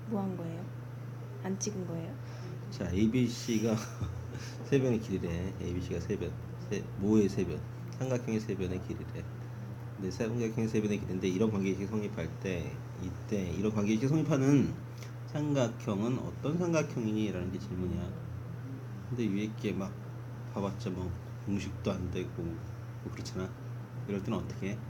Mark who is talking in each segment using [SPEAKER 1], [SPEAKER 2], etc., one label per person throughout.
[SPEAKER 1] 뭐 한 거예요? 안 찍은 거예요?
[SPEAKER 2] 자, ABC가 세변의 길이래. ABC가 세변, 모의 세변, 삼각형의 세변의 길이래. 근데 삼각형의 세변의 길인데 이런 관계식이 성립할 때 이때 이런 관계식이 성립하는 삼각형은 어떤 삼각형이니? 라는 게 질문이야. 근데 위에 게 막 봐봤자 뭐 공식도 안 되고 뭐 그렇잖아. 이럴 때는 어떻게 해?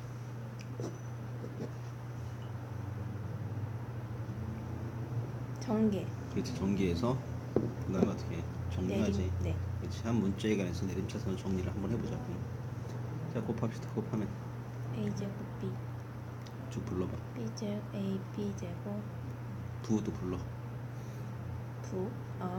[SPEAKER 1] 전개.
[SPEAKER 2] 그렇지, 전개해서 그 다음에 어떻게 해? 정리하지.
[SPEAKER 1] 네.
[SPEAKER 2] 그렇지, 한 문자에 관해서 내림차순 정리를 한번 해보자. 자, 곱합시다. 곱하면
[SPEAKER 1] a제곱 b
[SPEAKER 2] 쭉 불러봐.
[SPEAKER 1] b제곱 a b제곱
[SPEAKER 2] 부도 불러.
[SPEAKER 1] 부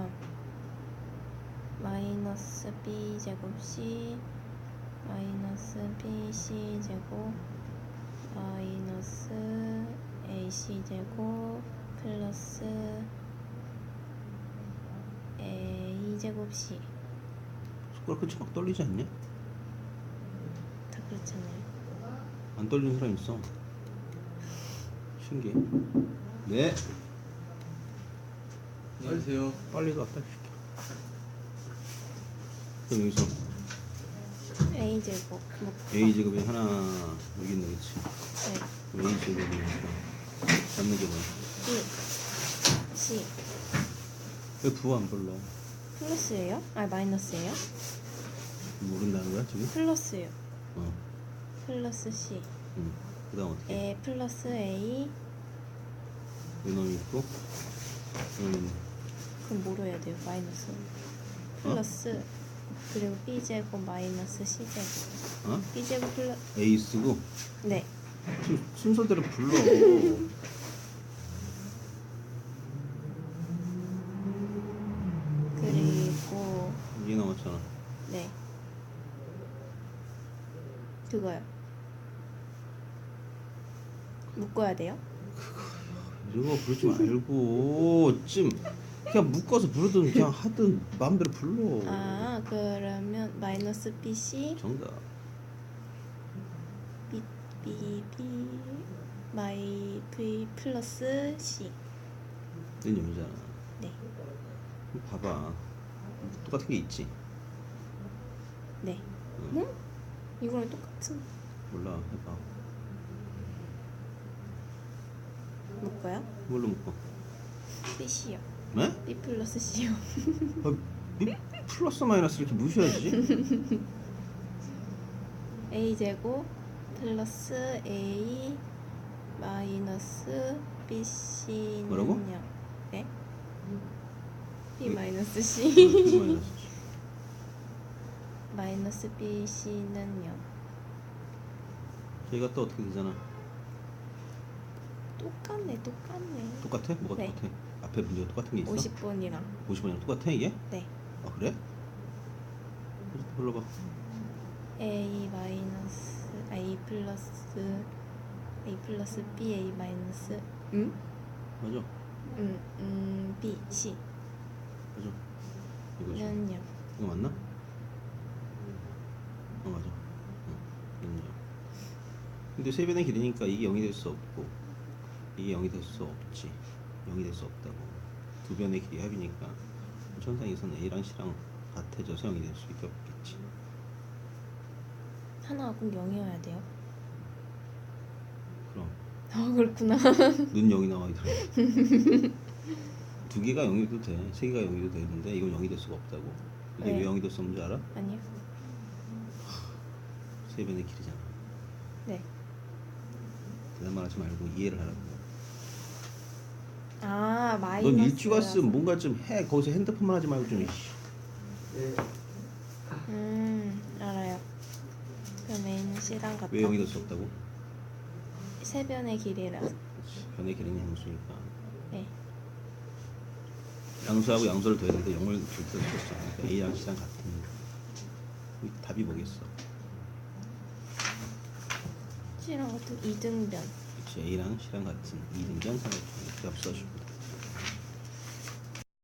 [SPEAKER 1] 마이너스 b제곱 c 마이너스 bc 제곱 마이너스 ac 제곱 플러스 a 제곱 c.
[SPEAKER 2] 손가락 끝이 막 떨리지 않냐?
[SPEAKER 1] 다 그렇잖아요.
[SPEAKER 2] 안 떨리는 사람 있어. 신기해. 네.
[SPEAKER 3] 안녕하세요.
[SPEAKER 2] 빨리도 왔다 시켜. 그럼 여기서
[SPEAKER 1] a 제곱
[SPEAKER 2] A 제곱이 하나 여기 있네, 그렇지?
[SPEAKER 1] 네.
[SPEAKER 2] A 제곱이 잡는 게 뭐야?
[SPEAKER 1] b c
[SPEAKER 2] 왜 부 안 불러?
[SPEAKER 1] 플러스예요? 마이너스예요?
[SPEAKER 2] 모른다는 거야 지금?
[SPEAKER 1] 플러스요.
[SPEAKER 2] 어.
[SPEAKER 1] 플러스 c
[SPEAKER 2] 응. 그다음 어떻게?
[SPEAKER 1] a 플러스 a.
[SPEAKER 2] 이놈이 있고 이놈이 있네.
[SPEAKER 1] 그럼 뭐로 해야 돼요? 마이너스 플러스 그리고 b제곱 마이너스 c제곱.
[SPEAKER 2] 어?
[SPEAKER 1] b제곱 플러스.
[SPEAKER 2] A 쓰고
[SPEAKER 1] 네.
[SPEAKER 2] 순서대로 불러.
[SPEAKER 1] 그리고
[SPEAKER 2] 이게 나왔잖아.
[SPEAKER 1] 네. 그거요. 묶어야 돼요?
[SPEAKER 2] 이거 부르지 말고 좀 그냥 묶어서 부르든 그냥 하든 마음대로 불러.
[SPEAKER 1] 그러면 마이너스 bc
[SPEAKER 2] 정답.
[SPEAKER 1] b 마이 v 플러스 c.
[SPEAKER 2] 는 여기잖아.
[SPEAKER 1] 네.
[SPEAKER 2] 봐봐. 똑같은 게 있지.
[SPEAKER 1] 네.
[SPEAKER 2] 응.
[SPEAKER 1] 응? 이거랑 똑같은.
[SPEAKER 2] 몰라, 해봐.
[SPEAKER 1] 묶어요?
[SPEAKER 2] 뭘로 묶어?
[SPEAKER 1] bc요.
[SPEAKER 2] 네?
[SPEAKER 1] b 플러스 c요.
[SPEAKER 2] 플러스 마이너스 이렇게 무시하지?
[SPEAKER 1] a 제곱 플러스 a 마이너스 bc는요.
[SPEAKER 2] 뭐라고?
[SPEAKER 1] 네. b 마이너스 c
[SPEAKER 2] 마이너스.
[SPEAKER 1] 마이너스 bc는요.
[SPEAKER 2] 저희가 또 어떻게 되잖아?
[SPEAKER 1] 똑같네.
[SPEAKER 2] 똑같아? 뭐가
[SPEAKER 1] 네.
[SPEAKER 2] 똑같아? 앞에 문제가 똑같은 게 있어?
[SPEAKER 1] 50번이랑
[SPEAKER 2] 50번이랑 똑같아 이게?
[SPEAKER 1] 네.
[SPEAKER 2] 아 그래? 불러봐.
[SPEAKER 1] a 마이너스 a 플러스 b a 마이너스
[SPEAKER 2] 맞아.
[SPEAKER 1] b c
[SPEAKER 2] 맞아. 이거지.
[SPEAKER 1] 는요.
[SPEAKER 2] 이거 맞나? 맞아. 인정. 근데 세변의 길이니까 이게 0이 될 수 없고 이게 0이 될 수 없지. 0이 될 수 없다고. 두 변의 길이 합이니까 천상에서는 A랑 C랑 같아져서 0이 될 수밖에 없겠지.
[SPEAKER 1] 하나가 꼭 0이어야 돼요?
[SPEAKER 2] 그럼
[SPEAKER 1] 그렇구나.
[SPEAKER 2] 눈 0이 나와 있더라. 두 개가 0이도 돼. 세 개가 0이도 되는데 이건 0이 될 수가 없다고. 이게
[SPEAKER 1] 네.
[SPEAKER 2] 왜 0이 될 수 없는 줄 알아?
[SPEAKER 1] 아니요.
[SPEAKER 2] 세변의 길이잖아.
[SPEAKER 1] 네.
[SPEAKER 2] 대단만 하지 말고 이해를 하라고.
[SPEAKER 1] 마이너스.
[SPEAKER 2] 넌 일주가 쓰면 뭔가 좀 해. 거기서 핸드폰만 하지 말고 좀.
[SPEAKER 1] 알아요. 그럼 a는 c랑 같다.
[SPEAKER 2] 왜 0이 될 수 없다고?
[SPEAKER 1] 세변의 길이라.
[SPEAKER 2] 변의 길이는 양수니까.
[SPEAKER 1] 네.
[SPEAKER 2] 양수하고 양수를 더했는데 0을 줄 수 없어. 그러니까 A랑 C랑 같은. 답이 뭐겠어?
[SPEAKER 1] c랑 같은 이등변.
[SPEAKER 2] 그렇지. A랑 C랑 같은 이등변 삼각형. 이렇게 써주고.